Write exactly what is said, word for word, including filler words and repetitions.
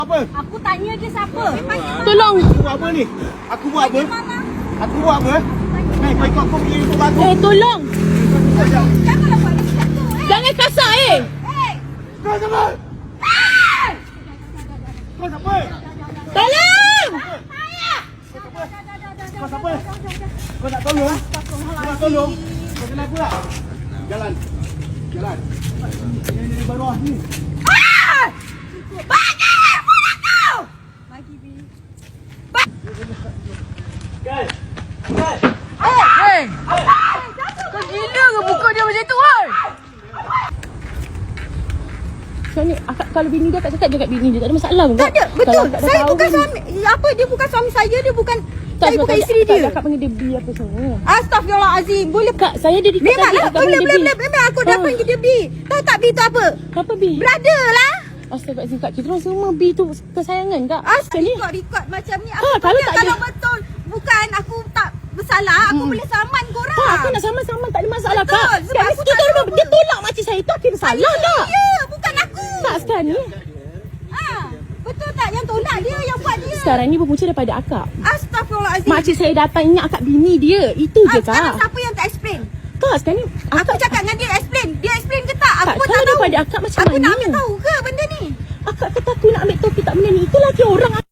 Apa? Aku tanya dia siapa. Tolong. Aku buat apa ni? Aku buat apa? Aku buat apa? Hei, kau ikut aku pergi ikut aku. Eh, tolong. Janganlah buat macam tu. Eh. Jangan kasar eh. Eh. Kau siapa? Kau siapa? Tolong. Kau siapa? Kau nak tolong? Kau nak tolong? Kau kenapa tak? Jalan. Jalan. Ini dari bawah ni. Ah! Bagi phone aku. Bagi B. Guys. Guys. Hey. Kau gila ke muka dia macam tu, oi? Macam ni, akak, kalau bini dia akak cakap je kat bini dia, tak ada masalah pun. Tak ada, betul. Kalau akak dah Saya tahu bukan bini- suami. Apa dia bukan suami saya, dia bukan Tak, saya sebab bukan tadi isteri akak- dia. Akak panggil dia B apa semua. Astagfirullahalazim. Boleh Kak, saya dia dekat tadi memanglah akak boleh panggil boleh dia boleh B. memang aku dah Ah. panggil dia B. Tahu tak B tu apa? Apa B? Brother lah. Astaghfirullahaladzim kak, kita orang semua B tu kesayangan kak. Astaga, Ni. record-record macam ni. Aku Ah, kalau kalau, tak kalau ada- betul bukan aku tak bersalah, aku Hmm. boleh saman korang. Ha, aku nak sama-sama tak ada masalah Betul, kak. sebab Sekarang aku kita tak orang tahu dia apa. tolak makcik saya tu akhirnya salah tak? Ya, bukan aku. Tak sekarang ni. Ah, betul tak yang tolak dia yang buat dia? Sekarang ni berpunca daripada akak. Astagfirullahalazim. Makcik saya datang ingat akak bini dia. Itu Ah, je sekarang kak. siapa yang tak explain? Kak sekarang ni Aku cakap dengan dia explain. Dia explain ke tak? Aku Tak, pun kalau tak tahu. daripada akak macam aku nak mana? ambil tahu ke benda ni? akak kata aku nak ambil topi tak benda ni. Itu lagi orang